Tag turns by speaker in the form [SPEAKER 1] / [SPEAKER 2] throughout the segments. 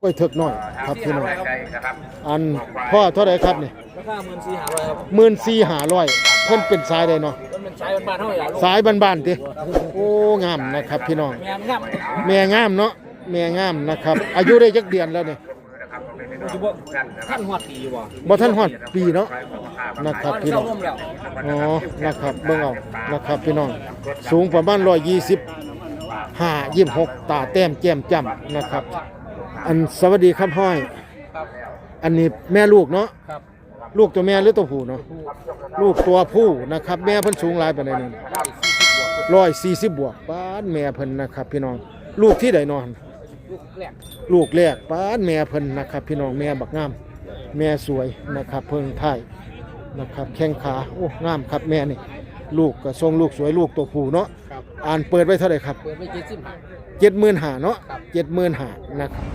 [SPEAKER 1] กล้วยเถิกหน่อยครับพี่น้อง
[SPEAKER 2] นะครับ
[SPEAKER 1] อันพ่อเท่าไหร่ครับนี่
[SPEAKER 3] ราคา14,500ครับ
[SPEAKER 1] 14,500เพิ่นเป็นสายใดเนาะ
[SPEAKER 3] มันเป็นสายบ้านๆเท่าไหร่ล่ะ
[SPEAKER 1] สายบ้านๆติโอ้งามนะครับพี่น้อง
[SPEAKER 3] แม่งาม
[SPEAKER 1] แม่งามเนาะแม่งามนะครับอายุได้จักเดือนแล้วนี่
[SPEAKER 3] สิบ่ท่านฮอดปีอยู่บ่
[SPEAKER 1] บ่ทันฮอดปีเนาะนะครับพี่น้อง
[SPEAKER 3] เศร้าร่มแล้ว
[SPEAKER 1] อ๋อนะครับเบิ่งเอานะครับพี่น้องสูงประมาณ125 26ตาแต้มแจ่มจ้ำนะครับอันสวัสดีครับห้อย
[SPEAKER 3] ครับ
[SPEAKER 1] อันนี้แม่ลูกเนาะ
[SPEAKER 3] ครับ
[SPEAKER 1] ลูกตัวแม่หรือตัวผู้เนาะลูกตัวผู้นะครับแม่เพิ่นสูงหลายปานใดนั่น140บวกป้านแม่เพิ่นนะครับพี่น้องลูกที่ใดนอน
[SPEAKER 3] ลูกแรก
[SPEAKER 1] ลูกแรกป้านแม่เพิ่นนะครับพี่น้องแม่บักงามแม่สวยนะครับเพิ่งไทยนะครับแข้งขาโอ้งามครับแม่นี่ลูกก็ทรงลูกสวยลูกตัวผู้เนาะ
[SPEAKER 3] ครับ
[SPEAKER 1] อ่านเปิดไว้เท่าไหร่ครับ
[SPEAKER 3] เปิดไป
[SPEAKER 1] 75,000เนาะ
[SPEAKER 3] ครับ
[SPEAKER 1] 75,000นะครับ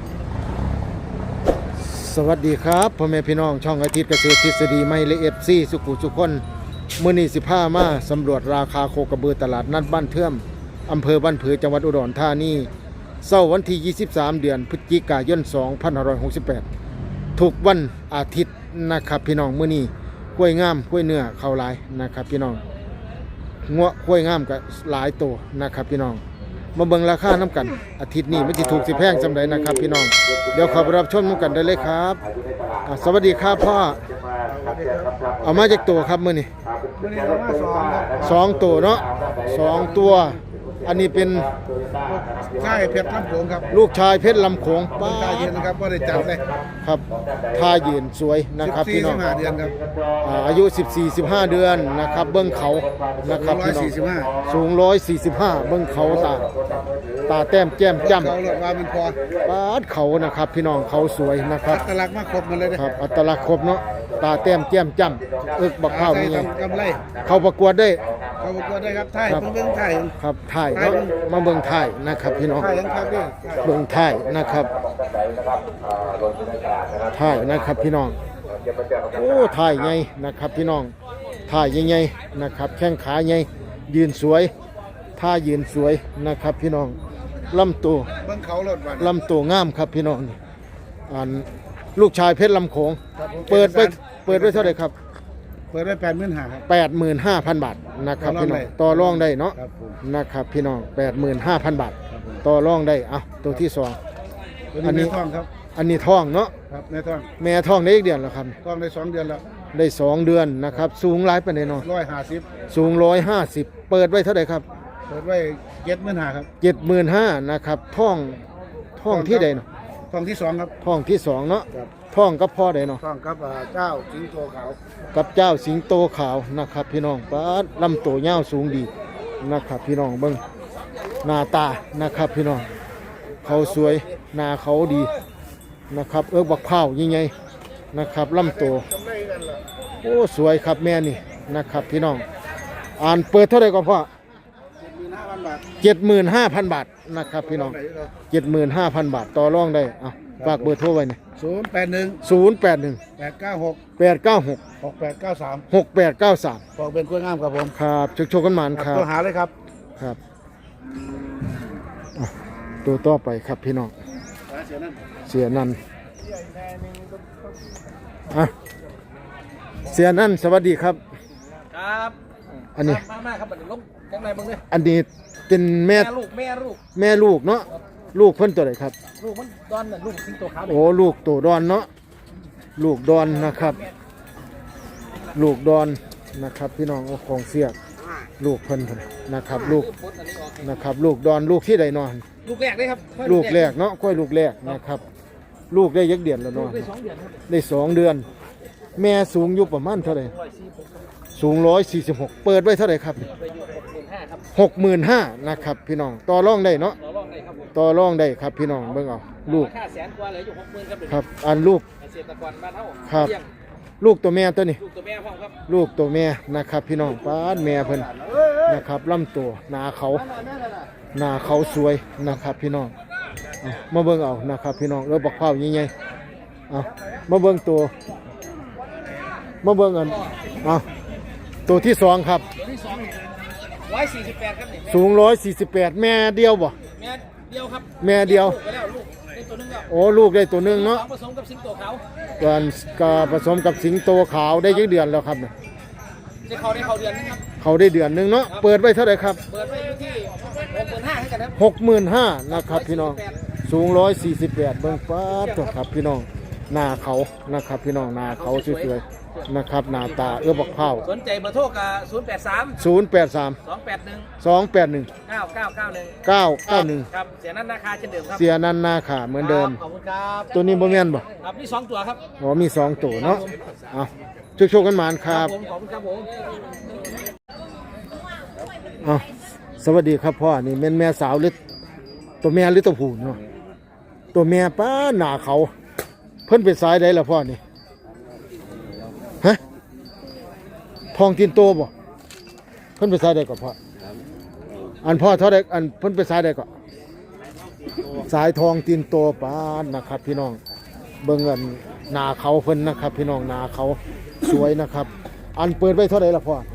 [SPEAKER 1] สวัสดีครับพ่อแม่พี่น้องช่องอาทิตย์เกษตรทฤษฎีไม่และ FC สุขุสุขคนมื้อนี้สิพามาสำรวจราคาโคกระบือตลาดนัดบ้านเทื่อมอำเภอบ้านผือจังหวัดอุดรธานีเช้าวันที่ 23 เดือนพฤศจิกายน 2568ทุกวันอาทิตย์นะครับพี่น้องมื้อนี้กล้วยงามกล้วยเนื้อเข้าหลายนะครับพี่น้องงัวกล้วยงามก็หลายตัวนะครับพี่น้องมาเบิ่งราคาน้ำกันอาทิตย์นี้มันสิถูกสิแพงจำใดนะครับพี่น้องเดี๋ยวขอไปรับชมน้ำกันได้เลยครับสวัสดีครับพ่อเอามาจากตัวครับมื้อนี้
[SPEAKER 3] มื้อนี้เรามา2ครับ
[SPEAKER 1] สองตัวเนาะสองตัว อันนี้เป็น
[SPEAKER 3] ใช่เพชรลำโขงครับ
[SPEAKER 1] ลูกชายเพชรลำโขงป้า
[SPEAKER 3] ตาเย็นนะครับบ่ได้จับเลย
[SPEAKER 1] ครับท่ายืนสวยนะครับพี่น้อง
[SPEAKER 3] 15เดือนครับ
[SPEAKER 1] อายุ 14-15 เดือนนะครับเบิ้งเขานะครับพี่น้องสูง145เบิ้งเขาตาแต้มแก้มจ้ำ
[SPEAKER 3] เขาเรียกว่าเป็นพอ
[SPEAKER 1] ปาดเขานะครับพี่น้องเขาสวยนะครับ
[SPEAKER 3] อัตลักษณ์มาครบหมดเลยเด้
[SPEAKER 1] ครับอัตลักษณ์ครบเนาะตาแต้มแก้มจ้ำบักข้าว
[SPEAKER 3] ใส่
[SPEAKER 1] นี่ไง
[SPEAKER 3] กำไร
[SPEAKER 1] เขาประกวดได้
[SPEAKER 3] เขาบอกว่าได้ครับไทยเพิ่งไทย
[SPEAKER 1] ครับถ่ายเนาะมาเบิ่งถ่ายนะครับพี่น้อง
[SPEAKER 3] ไทยยังครับนี่
[SPEAKER 1] เบิ่งถ่ายนะครับถ่ายนะครับพี่น้องโอ้ถ่ายไงนะครับพี่น้องถ่ายใหญ่ๆนะครับแข้งขาใหญ่ยืนสวยท่ายืนสวยนะครับพี่น้องลำตัว
[SPEAKER 3] เบิ่งเขารถวัน
[SPEAKER 1] ลำตัวงามครับพี่น้องนี่อันลูกชายเพชรลำโขงเปิดไว้เท่าไหร่ครับ
[SPEAKER 3] เปิดไว้85,000ครับ
[SPEAKER 1] 85,000 บาทนะครับพี่น้องต่อรองได้เนาะ
[SPEAKER 3] ครับผม
[SPEAKER 1] นะครับพี่น้อง 85,000 บาทต่อรองได้เอาตัวที่สอง
[SPEAKER 3] อันนี้ท้องครับ
[SPEAKER 1] อันนี้ท้องเนาะ
[SPEAKER 3] ครับในท้อง
[SPEAKER 1] แม่ท้องได้อีกเดือนแล้วครับ
[SPEAKER 3] ท้องได้2เดือนแล้ว
[SPEAKER 1] ได้2 เดือนนะครับสูงหลายปานใดเนาะ
[SPEAKER 3] 150
[SPEAKER 1] สูง150เปิดไว้เท่าไหร่ครับ
[SPEAKER 3] เปิดไว้75,000ครับ
[SPEAKER 1] 75,000นะครับท้องที่ใดเนาะ
[SPEAKER 3] ท้องที่2ครับ
[SPEAKER 1] ท้องที่สองเนาะ
[SPEAKER 3] ครับ
[SPEAKER 1] ท้องกับพ่อใดเนาะ
[SPEAKER 3] ท้องครับเจ้าสิงโตขาว
[SPEAKER 1] กับเจ้าสิงโตขาวนะครับพี่น้องปาดลำตัวยาวสูงดีนะครับพี่น้องเบิ่งหน้าตานะครับพี่น้องเขาสวยหน้าเขาดีนะครับบักเผายิ่งใหญ่นะครับลำตัวโอ้สวยครับแม่นี่นะครับพี่น้องอ่านเปิดเท่าไหร่ก่อนพ่อ
[SPEAKER 3] 75,000 บาท
[SPEAKER 1] 75,000 บาทนะครับพี่น้อง 75,000 บาทต่อรองได้อ่ะฝากเบอร์โทรไว้นี่
[SPEAKER 3] 081
[SPEAKER 1] 081
[SPEAKER 3] 896
[SPEAKER 1] 896
[SPEAKER 3] 6893
[SPEAKER 1] 6893
[SPEAKER 3] บอกเป็นกล้วยงามครับผม
[SPEAKER 1] ครับโชคๆกันหมานครับ
[SPEAKER 3] ตัวหาเลยครับ
[SPEAKER 1] ครับอ่ะตัวต่อไปครับพี่น้องเสียนันอ่ะเสียนันสวัสดีครับ
[SPEAKER 3] ครับ
[SPEAKER 1] อันนี้
[SPEAKER 3] มาครับบัดนี้ลงจังไหนเบิ่งเด้อ
[SPEAKER 1] อันนี้เป็นแม่
[SPEAKER 3] แม่ลูก
[SPEAKER 1] แม่ลูกเนาะลูกเพิ่นตัวไหนครับ
[SPEAKER 3] ลูกมันดอนน่ะลูกสิงโตขาว
[SPEAKER 1] โอ้ลูกตัวดอนเนาะลูกดอนนะครับ ลูกดอนนะครับพี่น้องเอาของเสียกลูกเพิ่นพุ่นนะครับ ลูกนะครับลูกดอนลูกที่ใดนอน
[SPEAKER 3] ลูกแรกได้ครับ
[SPEAKER 1] ลูกแรกเนาะกล้วยลูกแรกนะครับ ลูกได้ยักเดือนแล้วเนาะ
[SPEAKER 3] ได้2เดือนครับ
[SPEAKER 1] ได้2 เดือน แม่สูงอยู่ประมาณเท่าไหร่สูง146เปิดไว้เท่าไหร่ครับ
[SPEAKER 3] ไปอยู่65,000ครับ
[SPEAKER 1] 65,000นะครับพี่น้องต่อรองได้เนาะ
[SPEAKER 3] ต่อรองได้ครับผม
[SPEAKER 1] ต่อรองได้ครับพี่น้องเบิ่งเอาลูก
[SPEAKER 3] ราคาแสนกว่าเหลืออยู่60,000ครับเดี๋ยว
[SPEAKER 1] ครับอันลูก
[SPEAKER 3] เกษตรกรบ้านเฮา
[SPEAKER 1] ครับ
[SPEAKER 3] เลี้ยง
[SPEAKER 1] ลูกตัวแม่ตัวนี้
[SPEAKER 3] ลูกตัวแม่พร้อมครับ
[SPEAKER 1] ลูกตัวแม่นะครับพี่น้องป้านแม่เพิ่นนะครับลำตัวหนาเขาสวยนะครับพี่น้องเอามาเบิ่งเอานะครับพี่น้องแล้วบักเผาใหญ่ๆเอามาเบิ่งตัวมาเบิ่งอันเอาตัวที่สองครับ
[SPEAKER 3] ตัวที่2 148ครับนี่
[SPEAKER 1] สูง148แม่เดียวบ่
[SPEAKER 3] แม่เดียวครับ
[SPEAKER 1] แม่เดียว
[SPEAKER 3] ไปแล้วลูกในตัวตัวนึงแล้ว
[SPEAKER 1] โอ้ลูกได้ตัวหนึงเนาะ
[SPEAKER 3] สองผสมกับสิงโตขาว
[SPEAKER 1] ก่อนก็ผสมกับสิงโตขาวได้กี่เดือนแล้วครับเนี่ย
[SPEAKER 3] ได้เขาเดือนนึงครับ
[SPEAKER 1] เขาได้เดือนหนึงเนาะเปิดไว้เท่าไหร่ครับ
[SPEAKER 3] เปิดไว้อยู่ที่65,000ให้กันครับ
[SPEAKER 1] 65,000นะครับพี่น้องสูง148เบิ่งป๊าดตัวครับพี่น้องหน้าเขานะครับพี่น้องหน้าเขาสวยๆนะครับหน้าตาบักเผา
[SPEAKER 3] สนใจเบอร์โทรกับ
[SPEAKER 1] 083
[SPEAKER 3] 083
[SPEAKER 1] 281
[SPEAKER 3] 281 9991
[SPEAKER 1] 991
[SPEAKER 3] ครับเสียนันนาคาเช่นเดิมครับ
[SPEAKER 1] เสียนันนาขาเหมือนเดิม
[SPEAKER 3] ขอบคุณครับ
[SPEAKER 1] ตัวนี้บ่แม่นบ่
[SPEAKER 3] ครับมี2ตัวครับ
[SPEAKER 1] อ๋อมี2ตัวเนาะเอาโชคๆกันหมานครับ
[SPEAKER 3] ผมขอบคุณครับผม
[SPEAKER 1] เอาสวัสดีครับพ่อนี่แม่นแม่สาวหรือตัวแม่หรือตัวผู้เนาะตัวแม่ป้าหน้าเขาเพิ่นเป็นสายใดล่ะพ่อนี่ฮะทองตีนโตบ่เพิ่นเป็นสายใดก่อนพ่ออันพ่อเท่าใดอันเพิ่นเป็นสายใดก่อนสายทองตีนโตป้านะครับ พี่น้องเบิ่งอันหน้าเขาเพิ่นนะครับ พี่น้องหน้าเขาสวยนะครับ อันเปิดไว้เท่าใดล่ะพ่อ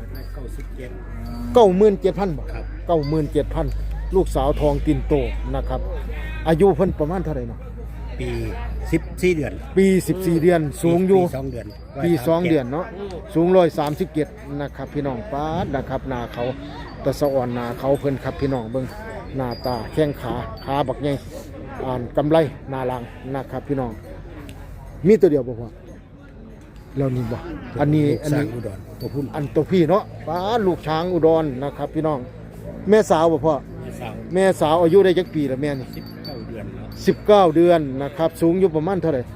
[SPEAKER 1] 97,000บ่ครับ97,000ลูกสาวทองตินโตนะครับอายุเพิ่นประมาณเท่าไหร่เนาะ
[SPEAKER 2] ปี14เดือน
[SPEAKER 1] ปี14เดือนสูงอยู่
[SPEAKER 2] ปี2เดือน
[SPEAKER 1] ปี2เดือนเนาะสูง137นะครับพี่น้องป้าดนะครับหน้าเขาตะสะอ่อนหน้าเขาเพิ่นครับพี่น้องเบิ่งหน้าตาแข้งขาบักใหญ่อ่านกำไรหน้าหลังนะครับพี่น้องมีตัวเดียวบ่พ่อแล้วนี่บ่อันนี้
[SPEAKER 2] สร้างอุดรตัวพุ่น
[SPEAKER 1] อันตัวพี่เนาะป้าดลูกช้างอุดรนะครับพี่น้องแม่สาวบ่พ่อ
[SPEAKER 2] สร้าง
[SPEAKER 1] แม่สาวอายุได้จักปีแล้วแม่นี่
[SPEAKER 2] 19เดือนแล้ว
[SPEAKER 1] 19 เดือนนะครับสูงอยู่ประมาณเท่าไหร่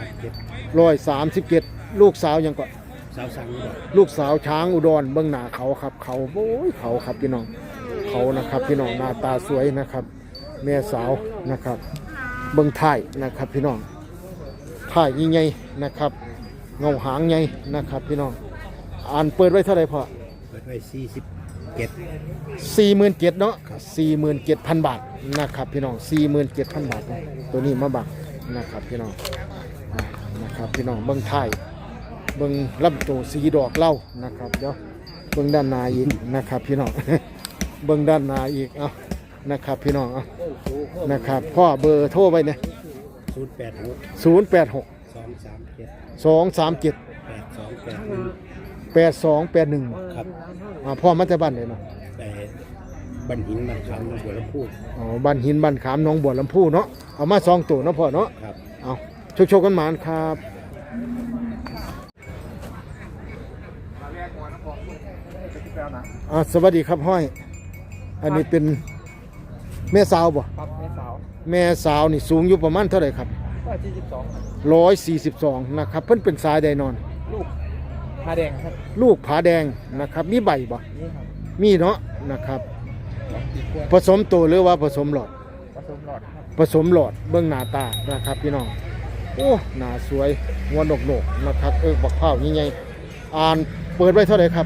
[SPEAKER 2] 137
[SPEAKER 1] ลูกสาวยังก็
[SPEAKER 2] สาวสร้างอุดร
[SPEAKER 1] ลูกสาวช้างอุดรเบื้องหน้าเขาครับเขาโอ้ยเขาครับพี่น้องเขานะครับพี่น้องหน้าตาสวยนะครับ แม่สาวนะครับเบื้องท้ายนะครับพี่น้องท้ายใหญ่ๆนะครับเงาหางใหญ่นะครับพี่น้องอ่านเปิดไว้เท่าไหร่พ่อ
[SPEAKER 2] เปิดไว้47
[SPEAKER 1] 47,000เนาะ47,000 บาทนะครับพี่น้อง47,000 บาทนะตัวนี้มาบักนะครับพี่น้องนะครับพี่น้องเบื้องท้ายเบื้องลำตัวสีดอกเหล้านะครับเดี๋ยวเบื้องด้านหน้าอีกนะครับพี่น้อง เบื้องด้านหน้าอีกเอานะครับพี่น้องเอานะครับพ่อเบอร์โทรไปเนี่ย
[SPEAKER 2] 086
[SPEAKER 1] 086
[SPEAKER 2] 237
[SPEAKER 1] 237 8281
[SPEAKER 2] ครับ
[SPEAKER 1] พ่อมัธยบ้านเลยเนาะ
[SPEAKER 2] แต่บันหินมันคำบัวลำพู
[SPEAKER 1] อ๋อบ้านหินบ้านขามหน้องบัวลำพูเนาะเอามา2ตัวเนาะพ่อเนาะ
[SPEAKER 2] ครับ
[SPEAKER 1] เอาโชคๆกันหมานครับสวัสดีครับห้อย อันนี้เป็นแม่สาวบ่
[SPEAKER 3] ครับแม่สาว
[SPEAKER 1] แม่สาวนี่สูงอยู่ประมาณเท่าไหร่ครับ
[SPEAKER 3] 142
[SPEAKER 1] 142นะครับเพิ่นเป็นสายใดนอน
[SPEAKER 3] ลูกผาแดงครับ
[SPEAKER 1] ลูกผาแดงนะครับมีใบบ่
[SPEAKER 3] นี่ครับ
[SPEAKER 1] มีเนาะนะครับ
[SPEAKER 3] ปีกว่า
[SPEAKER 1] ผสมโตหรือว่าผสมหลอด
[SPEAKER 3] ผสมหลอดครับ
[SPEAKER 1] ผสมหลอดเบื้องหน้าตานะครับพี่น้องโอ้หน้าสวยหัวโหนกๆนะครับบักเผาใหญ่ๆอ่านเปิดไว้เท่าไหร่ครับ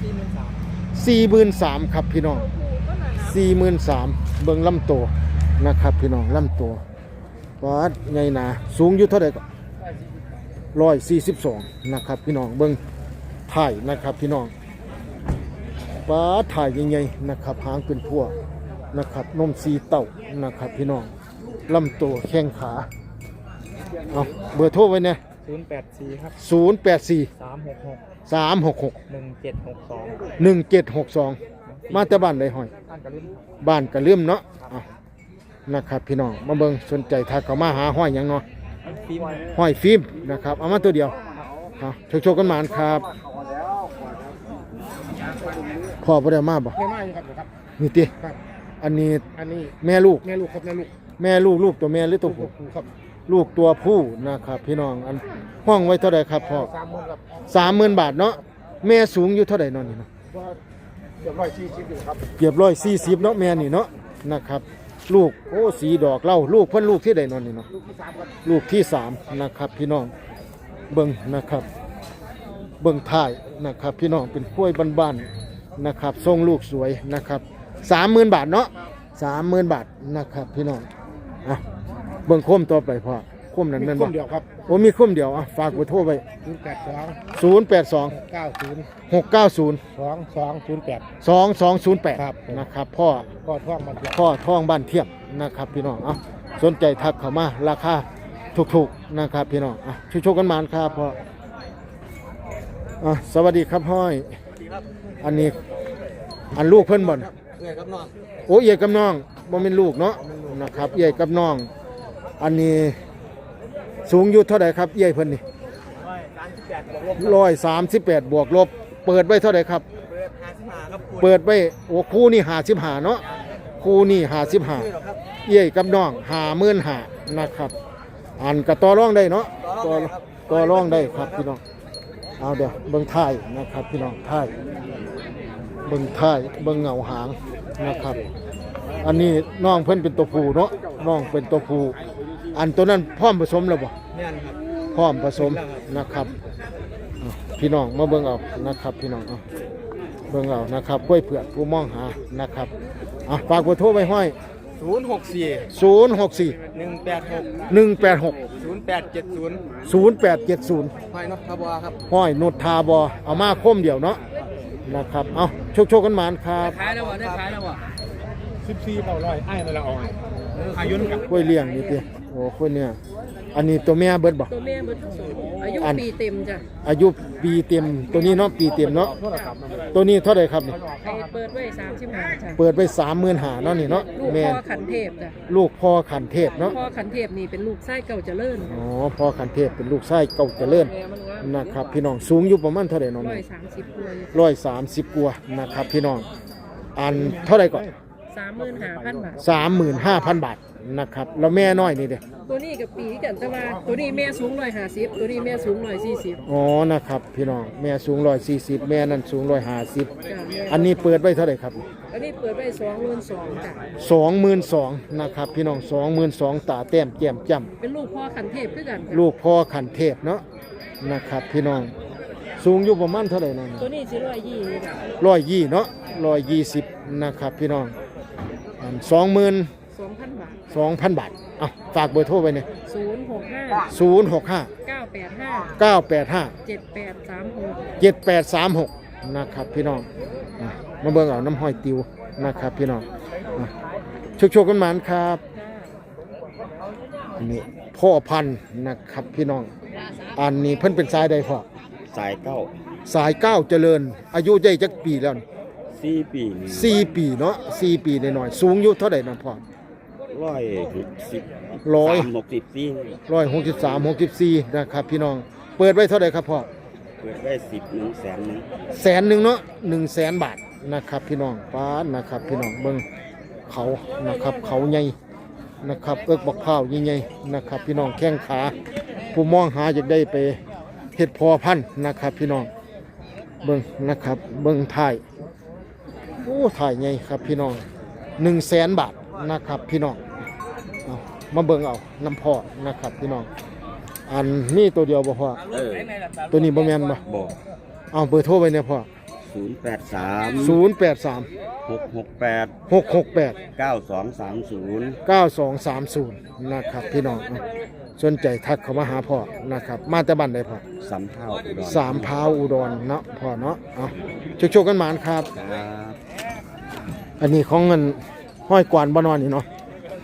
[SPEAKER 1] 43,000ครับพี่น้อง43,000เบิ่งลำตัวนะครับพี่น้องลำตัววัดใหญ่หนาสูงอยู่เท่าไหร่ก็142นะครับพี่น้องเบิ่งถ่ายนะครับพี่น้องวัดถ่ายใหญ่ๆนะครับหางเป็นพวกนะครับนมสีเต้านะครับพี่น้องลำตัวแข้งขาเอาเบอร์โทรไว้เนี่ย
[SPEAKER 3] 084ครับ
[SPEAKER 1] 084
[SPEAKER 3] 366
[SPEAKER 1] 366
[SPEAKER 3] 1762
[SPEAKER 1] 1762มาแต่บ้านใดห้อย
[SPEAKER 3] ท่านกระลุ่ม
[SPEAKER 1] บ้านกะเลื่อมเนาะเอานะครับพี่น้องมาเบิ่งสนใจทักเข้ามาหาห้อยหยังเนาะ
[SPEAKER 3] ฟิล์ม
[SPEAKER 1] ห้อยฟิล์มนะครับเอามาตัวเดียวเอาโชคๆกันหมานครับพ่อบ่ได้มาบ่
[SPEAKER 3] ไม่ไม่ครับครับ
[SPEAKER 1] นี่ติ
[SPEAKER 3] ครับ
[SPEAKER 1] อันนี้
[SPEAKER 3] อันนี้
[SPEAKER 1] แม่ลูก
[SPEAKER 3] แม่ลูกครับแม่ลูก
[SPEAKER 1] แม่ลูกตัวแม่หรือตัวผู้
[SPEAKER 3] ครับ
[SPEAKER 1] ลูกตัวผู้นะครับพี่น้องอันห้องไว้เท่าใดครับพ่อ
[SPEAKER 3] 30,000ครับ
[SPEAKER 1] 30,000 บาทเนาะแม่สูงอยู่เท่าใดเนาะนี่เนาะ
[SPEAKER 3] ว่าเกือบ140อยู่ครับ
[SPEAKER 1] เกือบ140เนาะแม่นี่เนาะนะครับลูกโอ้สีดอกเหล้าลูกเพิ่นลูกที่ใดเนาะนี่เนาะ
[SPEAKER 3] ลูกที่3ครับ
[SPEAKER 1] ลูกที่3นะครับพี่น้องเบิ่งนะครับเบิ่งท้ายนะครับพี่น้องเป็นกล้วยบ้านๆนะครับทรงลูกสวยนะครับ30,000 บาทเนาะ30,000 บาทนะครับพี่น้องอ่ะเบิ่งโคมต่อไปพ่อโคมนั้นแม่น
[SPEAKER 3] ค
[SPEAKER 1] บ่
[SPEAKER 3] นเดียวครับ
[SPEAKER 1] โอ้มีโคมเดียวอ่ะฝากเบอร์โทรไว้
[SPEAKER 3] 082
[SPEAKER 1] 082
[SPEAKER 3] 90
[SPEAKER 1] 690
[SPEAKER 3] 2208
[SPEAKER 1] 2208
[SPEAKER 3] ครับ
[SPEAKER 1] นะครับพ่อ
[SPEAKER 3] ก็ท่องมาเดียว
[SPEAKER 1] พ่อท่องบ้านเทียบนะครับพี่น้องเอาสนใจทักเข้ามาราคาถูกๆนะครับพี่น้องช่วยๆกันมาครับพ่อสวัสดีครับห้อยอันนี้อันลูกเพิ่นบ่น
[SPEAKER 3] เอื้อยครับน้อง
[SPEAKER 1] โอ้เอี่ยกับน้องบ่เป็นลูกเนาะนะครับเอี่ยกับน้อง อันนี้สูงอยู่เท่าไหร่ครับเอี่ยเพิ่นนี่
[SPEAKER 3] 138บวกลบ
[SPEAKER 1] 138บวกลบเปิดไว้เท่าไหร่ครับ
[SPEAKER 3] เปิด55ครับ
[SPEAKER 1] เปิดไว้โอ้คู่นี่55เนาะคู่นี่55
[SPEAKER 3] ชื่อหรอครับ
[SPEAKER 1] เอี่ยกับน้อง55,000นะครับอันก็ต่อรองได้เนาะต่อรองได้ครับพี่น้องเอาเดี๋ยวเบิ่งท้ายนะครับพี่น้องท้ายเบิ่งท้ายเบิ่งเงาหางนะครับ อันนี้น้องเพิ่นเป็นตัวผู้เนาะน้องเป็นตัวผู้อันตัวนั้นพร้อมผสมแล้วบ่
[SPEAKER 3] แม่นครับ
[SPEAKER 1] พร้อมผสมนะครับพี่น้องมาเบิ่งเอานะครับพี่น้องเบิ่งเอานะครับกล้วยเผือกผู้มองหานะครับฝากเบอร์โทรไว้ห้อย
[SPEAKER 3] 064
[SPEAKER 1] 064
[SPEAKER 3] 186
[SPEAKER 1] 186
[SPEAKER 3] 0870
[SPEAKER 1] 0870
[SPEAKER 3] ห้อยเนาะครับว่าครับ
[SPEAKER 1] ห้อยนุชทาบอเอามาคมเดียวเนาะนะครับเอาโชคกันหมานครับ
[SPEAKER 3] ขายแล้ววะได้ขายแล้ววะ14เท่าร้อยไอ้นั่นละออยอายุนกับ
[SPEAKER 1] กล้วยเลี้ยงนี่ติโอ้กล้วยเนี่ยอันนี้ตัวแม่เบิดบ่
[SPEAKER 4] ตัวแม่เบิดทั้งสองอายุปีเต็มจ้ะ
[SPEAKER 1] อายุปีเต็มตัวนี้เนาะปีเต็มเนาะตัวนี้เท่าไหร่ครับนี่
[SPEAKER 4] ไอ้เปิดไว้35จ้ะ
[SPEAKER 1] เปิดไป35,000เนาะนี่เนาะ
[SPEAKER 4] ลูก
[SPEAKER 1] แม่
[SPEAKER 4] พ่อขันเทพจ้ะ
[SPEAKER 1] ลูกพ่อขันเทพเนาะ
[SPEAKER 4] พ่อขันเทพนี่เป็นลูกไส้เก่าเจริญ
[SPEAKER 1] อ๋อพ่อขันเทพเป็นลูกชายเก่าเจริญนะครับพี่น้องสูงอยู่ประมาณเท่าไหร่น้อง
[SPEAKER 4] 130เลย
[SPEAKER 1] 130กว่านะครับพี่น้องอันเท่าไหร่ก่อน
[SPEAKER 4] 35,000 บาท
[SPEAKER 1] 35,000 บาทนะครับแล้วแม่น้อยนี่เด้
[SPEAKER 4] ตัวนี้กับปีกันแต่ว่าตัวนี้แม่สูง150ตัวนี้แม่สูง140
[SPEAKER 1] อ๋อนะครับพี่น้องแม่สูง140แม่นั่นสูง150
[SPEAKER 4] จ้ะแม่
[SPEAKER 1] อันนี้เปิดไว้เท่าไหร่ครับ
[SPEAKER 4] อันนี้เปิดไว้22,000จ้ะ
[SPEAKER 1] 22,000นะครับพี่น้อง22,000ตาแต้มแก้มจ้ำ
[SPEAKER 4] เป็นลูกพ่อขันเทพคือกันจ้ะ
[SPEAKER 1] ลูกพ่อขันเทพเนาะนะครับพี่น้องสูงอยู่ประมาณเท่าไหร่นั่น
[SPEAKER 4] ตัวนี้สิ120จ้ะ
[SPEAKER 1] 120เนาะ120นะครับพี่น้องอัน
[SPEAKER 4] 2,000 บาท
[SPEAKER 1] 22,000 บาทฝากเบอร์โทรไว้เนี่ย
[SPEAKER 4] 065
[SPEAKER 1] 065
[SPEAKER 4] 985
[SPEAKER 1] 985
[SPEAKER 4] 7836
[SPEAKER 1] 7836นะครับพี่น้องมาเบิ่งเอาน้ำห้อยติวนะครับพี่น้องโชคกันหมานครับอันนี้พ่อพันธุ์นะครับพี่น้องอันนี้เพิ่นเป็นสายใดพ่อ
[SPEAKER 2] สายเก้า
[SPEAKER 1] สายเก้าเจริญ อายุได้จักปีแล้วนี่
[SPEAKER 2] 4 ปีนี่
[SPEAKER 1] 4 ปีเนาะ4 ปีหน่อยๆสูงอยู่เท่าไหร่นะพ่อ
[SPEAKER 2] 163
[SPEAKER 1] 163 64นะครับพี่น้องเปิดไว้เท่าไหร่ครับพ่อ
[SPEAKER 2] เปิดได้10 100,000
[SPEAKER 1] แสนหนึ่งเนาะ100,000 บาทนะครับพี่น้องป้าดนะครับพี่น้องเบิ่งเขานะครับเขาใหญ่นะครับเอิกบักพร้าวใหญ่ๆนะครับพี่น้องแข้งขาผู้มองหาอยากได้ไปเฮ็ดพอพันธุ์นะครับพี่น้องเบิ่งนะครับเบิ่งถ่ายโอ้ถ่ายใหญ่ครับพี่น้อง100,000 บาทนะครับพี่น้องเอามาเบิ่งเอาน้ำพอนะครับพี่น้องอันนี้ตัวเดียวบ่พ่อตัวนี้บ่แม่นบ่
[SPEAKER 2] บอก
[SPEAKER 1] เอาเบอร์โทรไว้เนี่ยพ่อ
[SPEAKER 2] 083
[SPEAKER 1] 083
[SPEAKER 2] 668
[SPEAKER 1] 668
[SPEAKER 2] 9230
[SPEAKER 1] 9230นะครับพี่น้องสนใจทักเข้ามาหาพ่อนะครับมาแต่บ้านใดพ่อ
[SPEAKER 2] สำเภาอุดร
[SPEAKER 1] สามพร้าวอุดรเนาะพ่อเนาะเอาโชคๆกันหมานครับ
[SPEAKER 2] ครับ
[SPEAKER 1] อันนี้ของเงินห้อยกวานบ่นอนนี่เนาะ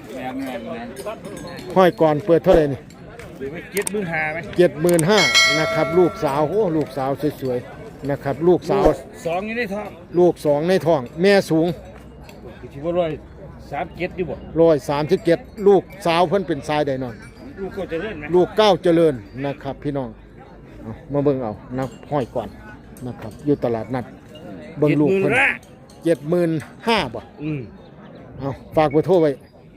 [SPEAKER 1] ห้อยกวานเปิดเท่าไหร่นี่
[SPEAKER 3] 75,000ไหม
[SPEAKER 1] 75,000นะครับลูกสาวโอ้ลูกสาวสวยๆนะครับลูกสาว
[SPEAKER 3] 2อยู่ในท้อง
[SPEAKER 1] ลูกสองในท้องแม่สูง
[SPEAKER 3] สิบ่137อยู่บ่
[SPEAKER 1] 137ลูกสาวเพิ่นเป็นทรายใดนอน
[SPEAKER 3] ลูกก็จะเล่นไหม
[SPEAKER 1] ลูกเก้าเจริญนะครับพี่น้องเอามาเบิ่งเอานะห้อยก่อนนะครับอยู่ตลาดนัดเบิ่งลูกเพิ่น75,000บ่ เอาฝากเบอร์โทรไว้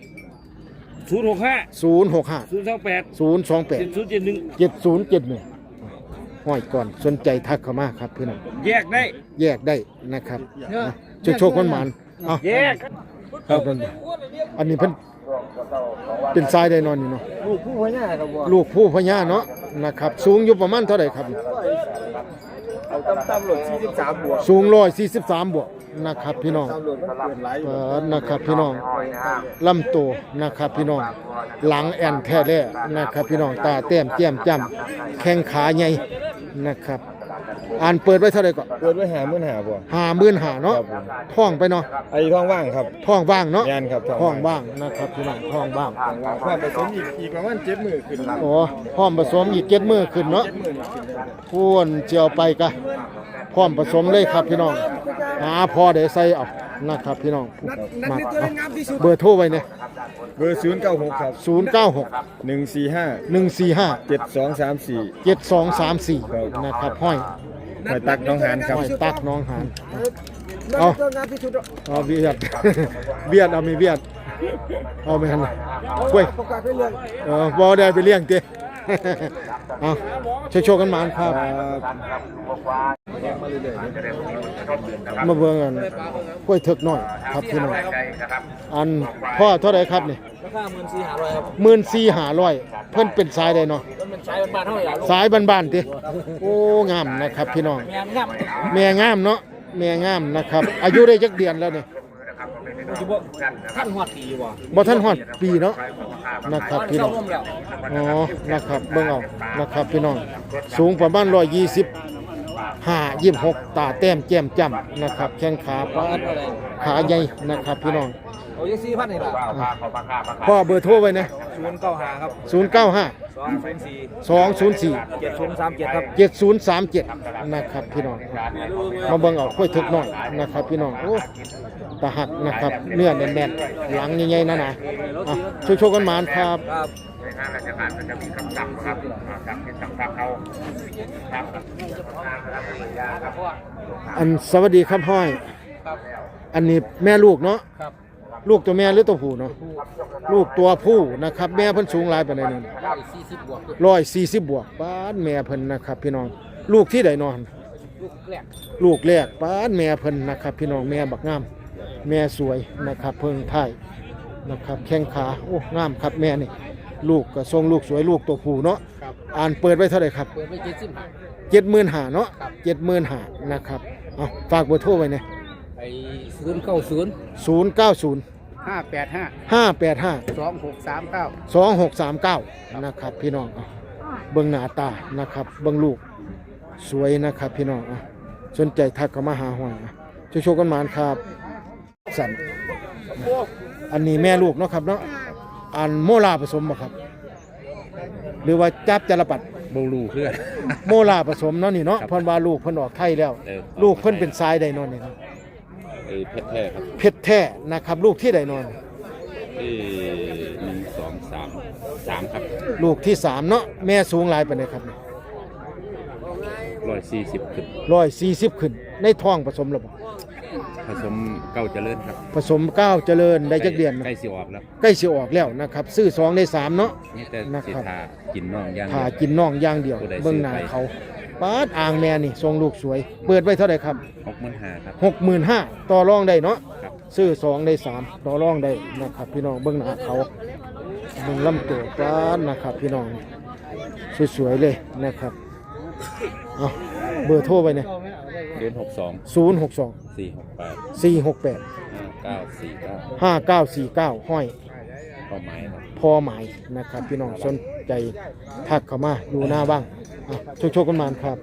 [SPEAKER 3] 065
[SPEAKER 1] 065
[SPEAKER 3] 028
[SPEAKER 1] 028
[SPEAKER 3] 7071
[SPEAKER 1] 7071ห้อยก่อนสนใจทักเข้ามาครับพี่น้อง
[SPEAKER 3] แยกได้
[SPEAKER 1] แยกได้นะครับโชคมันหมานเอา
[SPEAKER 3] แยก
[SPEAKER 1] ครับอันนี้เพิ่นเป็นทรายใดนอนนี่เนาะ
[SPEAKER 3] ลูกผู้พญาครับบ่
[SPEAKER 1] ลูกผู้พญาเนาะนะครับสูงอยู่ประมาณเท่าไหร่ครับ
[SPEAKER 3] เอาต่ำๆโหลด43บวก
[SPEAKER 1] สูง143บวกนะครับพี่น้อง
[SPEAKER 3] ตำรวจมันเปลี่ยนหลายอยู่
[SPEAKER 1] นะครับพี่น้องลำตัวนะครับพี่น้องหลังแอนแท้แล่นะครับพี่น้องตาแต้มแก้มจ้ำแข้งขาใหญ่นะครับอ่านเปิดไว้เท่าไหร่ก่อน
[SPEAKER 3] เปิดไว้หามื้อหาบ่
[SPEAKER 1] 55,000เนาะ
[SPEAKER 3] ครับผม
[SPEAKER 1] ท้องไปเนาะ
[SPEAKER 3] ไอ้ท้องว่างครับ
[SPEAKER 1] ท้องว่างเนาะ
[SPEAKER 3] งานครับ
[SPEAKER 1] ท้องว่างนะครับพี่น้องท้องว่าง
[SPEAKER 3] ความผสมอีกประมาณ7มื้อขึ้นครับ
[SPEAKER 1] โอ้พร้อมผสมอีก7มื้อขึ้นเนาะ
[SPEAKER 3] 7มื้อนี่ขึ้นครับ
[SPEAKER 1] พูนเจียวไปกะพร้อมผสมเลยครับพี่น้องหาพอได้ใส่เอานะครับพี่น้องมาเอาเบอร์โทรไว้เนี่ย
[SPEAKER 3] เบอร์096ครับ
[SPEAKER 1] 096
[SPEAKER 3] 145
[SPEAKER 1] 145
[SPEAKER 3] 7234
[SPEAKER 1] 7234นะครับห้อย
[SPEAKER 3] หอยตักน้องหานครับ
[SPEAKER 1] ห้อยตักน้องหานเอาเวียด เวียดเอามีเวียดเอาไม่ทันเลยกล้วยบ่ได้ไปเลี้ยงเต้ เอาโชว์กันมาครับมาเบิ่งกันกล้วยเถิกหน่อยครับพี่น้องอันพ่อเท่าไหร่ครับนี่
[SPEAKER 4] ราคา14,500ครับ
[SPEAKER 1] 14,500เพิ่นเป็นสายใดเนาะ
[SPEAKER 4] มันใช้บ้านๆเท่าไหร่ล่ะ
[SPEAKER 1] สายบ้านๆติโอ้งามนะครับพี่น้อง
[SPEAKER 4] แม่งับ
[SPEAKER 1] แม่งามเนาะแม่งามนะครับ อายุได้จักเดือนแล้วนี่
[SPEAKER 4] สิบ่ท่านฮอดปีบ่
[SPEAKER 1] บ่ทันฮอดปีเนาะนะครับพี่น้อง
[SPEAKER 4] ร่วมแล้ว
[SPEAKER 1] อ๋อนะครับเบิ่งเอานะครับพี่น้องสูงประมาณ125 26ตาแต้มแจ่มจ้ำนะครับแข้งขาปาดขาใหญ่นะครับพี่น้อง
[SPEAKER 4] เอาจัง4,000นี่ล่ะ
[SPEAKER 1] พ่อเบอร์โทรไว้นะ
[SPEAKER 4] 095ครับ
[SPEAKER 1] 095
[SPEAKER 4] 204
[SPEAKER 1] 204
[SPEAKER 4] 7037ครับ
[SPEAKER 1] 7037นะครับพี่น้องมาเบิ่งเอาค่อยถึกหน่อยนะครับพี่น้องโอ้ตาหักนะครับเนื้อแน่นๆหลังใหญ่ๆนะอ่ะช่วยๆกันมาครับ
[SPEAKER 4] ครับ
[SPEAKER 1] อันสวัสดีครับห้อย อันนี้แม่ลูกเนาะ
[SPEAKER 4] ครับ
[SPEAKER 1] ลูกตัวแม่หรือตัวผู้เนาะลูกตัวผู้นะครับแม่เพิ่นสูงหลายปานใดนั่น
[SPEAKER 4] 40บวก
[SPEAKER 1] 140บวกป้านแม่เพิ่นนะครับพี่น้องลูกที่ใดนอน
[SPEAKER 4] ลูกแรก
[SPEAKER 1] ลูกแรกป้านแม่เพิ่นนะครับพี่น้องแม่บักงาม แม่สวยนะครับเพิ่งไทยนะครับแข้งขาโอ้งามครับแม่นี่ลูกก็ทรงลูกสวยลูกตัวผู้เนาะ
[SPEAKER 4] ครับ
[SPEAKER 1] อ่านเปิดไว้เท่าไหร่ครับ
[SPEAKER 4] เปิดไป
[SPEAKER 1] 75,000เนาะ
[SPEAKER 4] ครับ
[SPEAKER 1] 75,000นะครับเอาฝากเบอร์โทรไว้เนี่ย
[SPEAKER 4] ไอ้090
[SPEAKER 1] 090
[SPEAKER 4] 585
[SPEAKER 1] 585
[SPEAKER 4] 2639
[SPEAKER 1] 2639นะครับพี่น้องเอาเบิ่งหน้าตานะครับเบิ่งลูกสวยนะครับพี่น้องเอาสนใจทักเข้ามาหาห้อยโชว์กันมาครับสันอันนี้แม่ลูกเนาะครับเนาะอันโมลาผสมบ่ครับ หรือว่าจับจารปัด
[SPEAKER 2] บ่รู้เพื่อน
[SPEAKER 1] โมลาผสมเนาะนี่เนาะเพิ่นว่าลูกเพิ่นออกไทยแล้ว ลูกเพิ่นเป็นทรายใดเนอนนี่ครับ
[SPEAKER 2] ไอ้เพชรแท้ครับ
[SPEAKER 1] เพชรแท้นะครับลูกที่ใดนอน
[SPEAKER 2] ที่1 2 3 3ครับ
[SPEAKER 1] ลูกที่3เนาะแม่สูงหลายปานใดครับ
[SPEAKER 2] 140ขึ้น
[SPEAKER 1] 140ขึ้นในท้องผสมแล้วบ่
[SPEAKER 2] ผสมเก้าเจริญครับ
[SPEAKER 1] ผสมก้าวเจริญได้จักเดือน
[SPEAKER 2] ใกล้สิออกแล้ว
[SPEAKER 1] ใกล้สิออกแล้วนะครับซื้อ2ได้3เนาะ
[SPEAKER 2] นี่แต่
[SPEAKER 1] นะ
[SPEAKER 2] สิ
[SPEAKER 1] ครับ
[SPEAKER 2] ทากินน้องย่าง
[SPEAKER 1] ถ้า
[SPEAKER 2] เดียว
[SPEAKER 1] กินน่องอย่างเดียว
[SPEAKER 2] ผู้ใดซื้อ
[SPEAKER 1] เบิ่งหน้า
[SPEAKER 2] ไป
[SPEAKER 1] เขาปาดอ่างแม่นี่ทรงลูกสวย เปิดไว้เท่าไหร่ครับ
[SPEAKER 2] 65,000ครับ
[SPEAKER 1] 65,000ต่อรองได้เนาะ
[SPEAKER 2] ครับ
[SPEAKER 1] ซื้อ2ได้3ต่อรองได้นะครับพี่น้องเบิ่งหน้าเขาเบิ่งลำตัวปานนะครับพี่น้องสวยๆเลยนะครับเอาเบอร์โทรไว้เนี่ย
[SPEAKER 2] เดือน
[SPEAKER 1] 062
[SPEAKER 2] 62 468
[SPEAKER 1] 468
[SPEAKER 2] 5949
[SPEAKER 1] 5949ห้อย
[SPEAKER 2] เป้าหมายครับ
[SPEAKER 1] พอหมายนะครับพี่น้องสนใจทักเข้ามาอยู่หน้าบ้างโชคๆกันมาครับ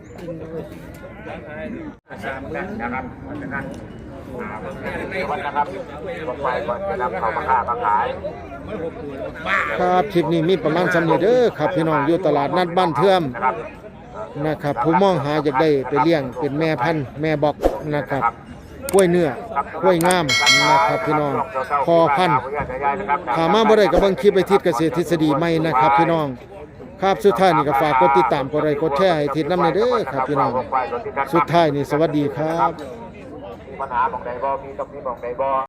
[SPEAKER 1] ครับคลิปนี้มีประมาณสำเนีเด้อครับพี่น้องอยู่ตลาดนัดบ้านเทื่อมนะครับผู้มองหาอยากได้ไปเลี้ยงเป็นแม่พันธุ์แม่บอกนะครับกล้วยเนื้อกล้วยงามนะครับพี่น้องพอพันธุ์ถามมาบ่ได้ก็เบิ่งคลิปไปทิศเกษตรทฤษฎีใหม่นะครับพี่น้องครับสุดท้ายนี่ก็ฝากกดติดตามกดไลค์กดแชร์ให้ทิศนำเด้อครับพี่น้องสุดท้ายนี่สวัสดีครับ
[SPEAKER 5] ปัญหาของใดบ่มีตรงนี้บอกใดบ่